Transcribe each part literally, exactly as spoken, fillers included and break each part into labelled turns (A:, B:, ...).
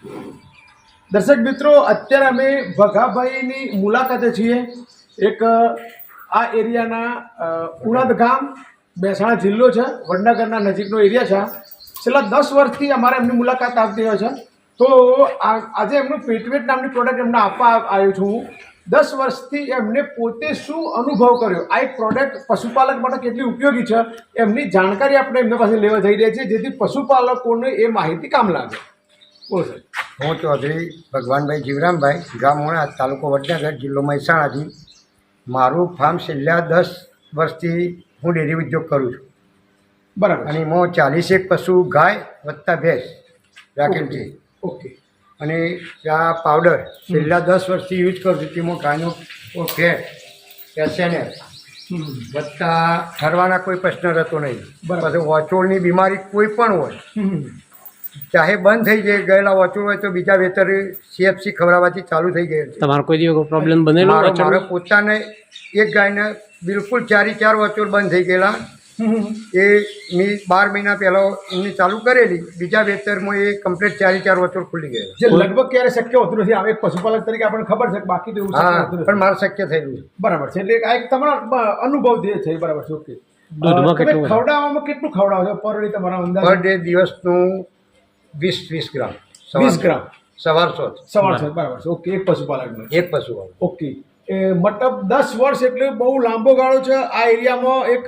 A: દર્શક મિત્રો, અત્યારે અમે ભગાભાઈની મુલાકાતે છીએ. એક આ એરિયાના ઉણદ ગામ, મહેસાણા જિલ્લો છે, વડનગરના નજીકનો એરિયા છે. છેલ્લા દસ વર્ષથી અમારે એમની મુલાકાત આવતી હોય છે. તો આજે એમનું પેટવેટ નામની પ્રોડક્ટ એમને આપવા આવ્યો છું હું. દસ વર્ષથી એમને પોતે શું અનુભવ કર્યો, આ એક પ્રોડક્ટ પશુપાલક માટે કેટલી ઉપયોગી છે, એમની જાણકારી આપણે એમના પાસે લેવા જઈ રહ્યા છીએ, જેથી પશુપાલકોને એ માહિતી કામ લાગે. બોલો સર.
B: હું ચૌધરી ભગવાનભાઈ જીવરામભાઈ, ગામ મોણા, તાલુકો વડનગર, જિલ્લો મહેસાણાથી. મારું ફાર્મ છેલ્લા દસ વર્ષથી હું ડેરી ઉદ્યોગ કરું છું.
A: બરાબર.
B: અને હું ચાલીસેક પશુ ગાય વત્તા ભેંસ રાખેલ છે.
A: ઓકે.
B: અને આ પાવડર છેલ્લા દસ વર્ષથી યુઝ કરું છું. તેમાં ગાયનો ફેટ, એસએનએલ વત્તા ઠરવાના કોઈ પ્રશ્ન રહેતો નહીં. પછી વચોળની બીમારી કોઈ પણ હોય, ચાહે બંધ થઈ જાય, ગયેલા વચોળ હોય તો બીજા વેતર સીએફસી ખવડાવવાથી ચાલુ થઈ ગયેલ છે.
C: તમારો કોઈ દિવસ પ્રોબ્લેમ બનેલો?
B: મારો મારો પોતાને એક ગાયને બિલકુલ ચારી ચાર વચોળ બંધ થઈ ગયેલા. એ મેં બાર મહિના પહેલાં એમની ચાલુ કરેલી, બીજા વેતરમાં એ કમ્પ્લીટ ચારી ચાર વચોળ ખુલી ગયેલા.
A: જે લગભગ ક્યારે શક્ય હોતું નથી. આ એક પશુપાલક તરીકે આપણને ખબર છે, બાકી તો એવું શક્ય
B: હા,
A: હોતું નથી.
B: પણ મારે શક્ય થયેલું છે.
A: બરાબર છે. એટલે આ એક તમારો અનુભવ જે છે. બરાબર છે. ઓકે.
C: દૂધમાં
A: તમે
C: કેટલું
A: ખવડાવવામાં કેટલું ખવડાવો છો પર ડે? તમારા અંદાજ
B: પર ડે દિવસનું વીસ વીસ ગ્રામ.
A: વીસ ગ્રામ
B: સવારસો
A: સવાર છે. બરાબર છે. ઓકે. એક પશુપાલકનો.
B: એક પશુ.
A: ઓકે. એ મતલબ દસ વર્ષ એટલે બહુ લાંબો ગાળો છે. આ એરિયામાં એક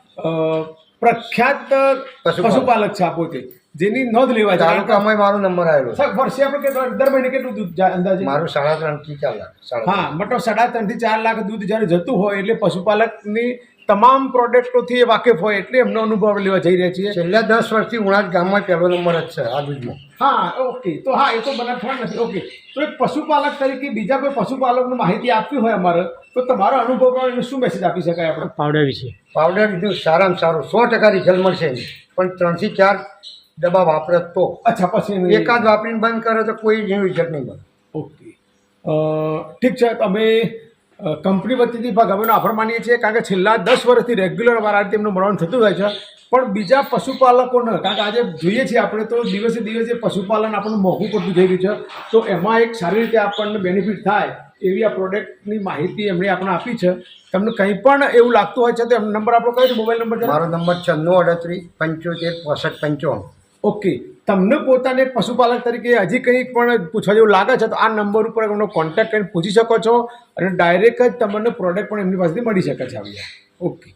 A: પ્રખ્યાત પશુપાલક છે આ પોતે, જેની નોંધ લેવા જાય.
B: તાલુકામાં મારો નંબર આવેલો છે.
A: વર્ષે આપણે કેટલું દર મહિને કેટલું દૂધ જાય અંદાજે?
B: મારું સાડા ત્રણ થી ચાર લાખ. સાડા
A: હા, મતલબ સાડા ત્રણ થી ચાર લાખ દૂધ જ્યારે જતું હોય એટલે પશુપાલકની તમામ પ્રોડક્ટોથી એ વાકેફ હોય, એટલે એમનો અનુભવ લેવા જઈ રહ્યા છીએ.
B: છેલ્લા દસ વર્ષથી ઉણાજ ગામમાં પહેલો નંબર જ છે આ દૂધમાં.
A: હા, ઓકે. તો હા, એ તો બનાવવા નથી. ઓકે. તો એક પશુપાલક તરીકે બીજા કોઈ પશુપાલકને માહિતી આપવી હોય અમારે, તો તમારો અનુભવ એને શું મેસેજ આપી શકાય આપણે
C: પાવડર વિશે?
B: પાવડર લીધું સારામાં સારું, સો ટકા રિઝલ્ટ મળશે. પણ ત્રણથી ચાર ડબ્બા વાપરે તો.
A: અચ્છા. પછી
B: એકાદ વાપરીને બંધ કરે તો કોઈ રિઝલ્ટ નહીં મળે.
A: ઓકે. ઠીક છે. તમે કંપની વતીથી ભગાભાઈનો આભાર માનીએ છીએ, કારણ કે છેલ્લા દસ વર્ષથી રેગ્યુલર અમારા રીતે એમનું મળવાનું થતું હોય છે. પણ બીજા પશુપાલકોને, કારણ કે આજે જોઈએ છીએ આપણે તો દિવસે દિવસે પશુપાલન આપણને મોંઘું પડતું જઈ રહ્યું છે, તો એમાં એક સારી રીતે આપણને બેનિફિટ થાય એવી આ પ્રોડક્ટની માહિતી એમણે આપણને આપી છે. તમને કંઈ પણ એવું લાગતું હોય છે તો એમનો નંબર આપણો કયો છે? મોબાઈલ નંબર છે?
B: મારો નંબર છન્નું અડત્રીસ પંચોતેર પોસઠ પંચાવન.
A: ઓકે. તમને પોતાને એક પશુપાલક તરીકે હજી કંઈ પણ પૂછવા જેવું લાગે છે તો આ નંબર ઉપર એમનો કોન્ટેક્ટ કરીને પૂછી શકો છો, અને ડાયરેક્ટ જ તમને પ્રોડક્ટ પણ એમની પાસેથી મળી શકે છે. આવી ઓકે.